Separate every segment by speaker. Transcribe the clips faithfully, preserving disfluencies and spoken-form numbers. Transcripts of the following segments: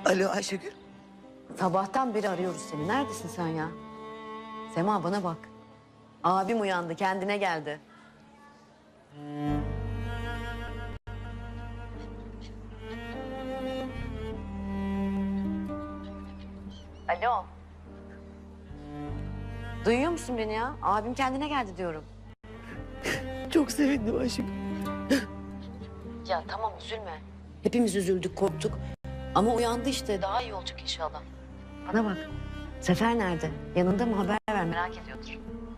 Speaker 1: Alo Ayşegül.
Speaker 2: Sabahtan beri arıyoruz seni. Neredesin sen ya? Sema bana bak. Abim uyandı, kendine geldi. Alo. Duyuyor musun beni ya? Abim kendine geldi diyorum.
Speaker 1: Çok sevindim Ayşegül.
Speaker 2: Ya tamam üzülme. Hepimiz üzüldük, korktuk. Ama uyandı işte. Daha iyi olacak inşallah. Bana bak. Sefer nerede? Yanında mı? Haber ver. Merak ediyordur.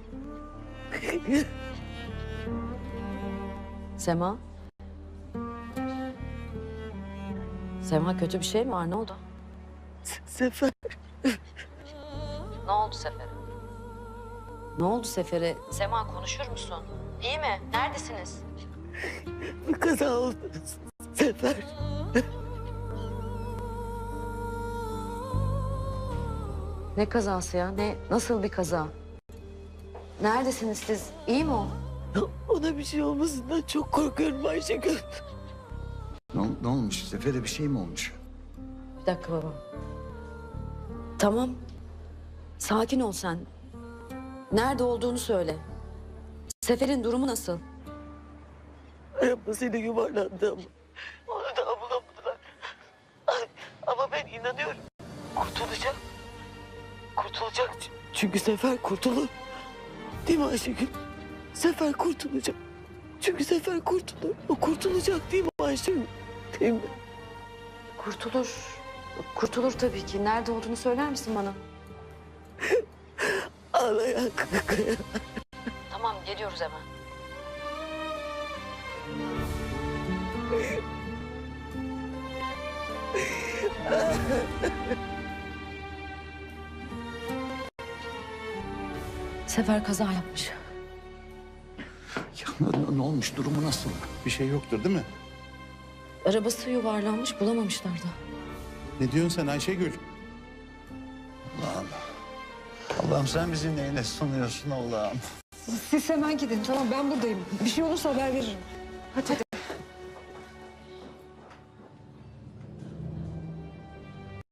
Speaker 2: Sema? Sema kötü bir şey mi var? Ne oldu?
Speaker 1: Sefer.
Speaker 2: Ne oldu Sefer'e? Ne oldu Sefer'e? Sema konuşur musun? İyi mi? Neredesiniz?
Speaker 1: Bir kaza oldu. Sefer.
Speaker 2: Ne kazası ya? Ne? Nasıl bir kaza? Neredesiniz siz? İyi mi o?
Speaker 1: Ona bir şey olmasından çok korkuyorum Ayşegül.
Speaker 3: Ne, ne olmuş? Sefer'e bir şey mi olmuş?
Speaker 2: Bir dakika baba. Tamam. Sakin ol sen. Nerede olduğunu söyle. Sefer'in durumu nasıl?
Speaker 1: Arabasıyla yuvarlandı ama. Onu da bulamadılar. Ay, ama ben inanıyorum. Kurtulacak. Kurtulacak. Çünkü Sefer kurtulur. Değil mi Ayşegül? Sefer kurtulacak. Çünkü Sefer kurtulur. O kurtulacak değil mi Ayşegül? Değil mi?
Speaker 2: Kurtulur. Kurtulur tabii ki. Nerede olduğunu söyler misin bana?
Speaker 1: Ağlayan kaya.
Speaker 2: Tamam geliyoruz hemen. Sefer kaza yapmış.
Speaker 3: Ya ne, ne olmuş? Durumu nasıl?
Speaker 4: Bir şey yoktur değil mi?
Speaker 2: Arabası yuvarlanmış, bulamamışlar da.
Speaker 4: Ne diyorsun sen Ayşegül?
Speaker 3: Allah'ım. Allah'ım sen bizi neyle sunuyorsun Allah'ım?
Speaker 5: Siz hemen gidin tamam ben buradayım. Bir şey olursa haber veririm.
Speaker 2: Hadi.